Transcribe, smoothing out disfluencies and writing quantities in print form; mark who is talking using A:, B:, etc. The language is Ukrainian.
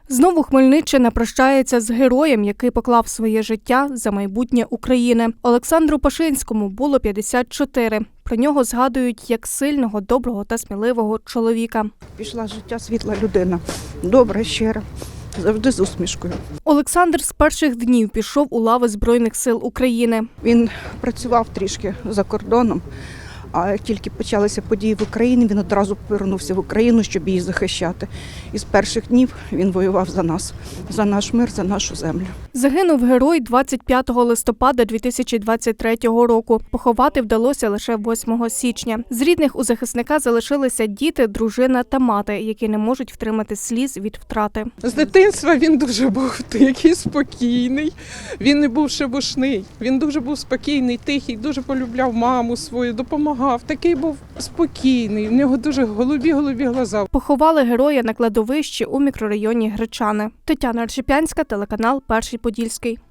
A: Знову Хмельниччина прощається з героєм, який поклав своє життя за майбутнє України. Олександру Пашинському було 54. Про нього згадують як сильного, доброго та сміливого чоловіка.
B: Пішла з життя світла людина, добра, щира, завжди з усмішкою.
A: Олександр з перших днів пішов у лави Збройних сил України.
B: Він працював трішки за кордоном, а як тільки почалися події в Україні, він одразу повернувся в Україну, щоб її захищати. І з перших днів він воював за нас, за наш мир, за нашу землю.
A: Загинув герой 25 листопада 2023 року. Поховати вдалося лише 8 січня. З рідних у захисника залишилися діти, дружина та мати, які не можуть втримати сліз від втрати.
C: З дитинства він дуже був такий спокійний, він не був шебушний, він дуже був спокійний, тихий, дуже полюбляв маму свою, допомагав. Такий був спокійний, в нього дуже голубі глаза.
A: Поховали героя на кладовищі у мікрорайоні Гречани. Тетяна Аршипянська, телеканал «Перший Подільський».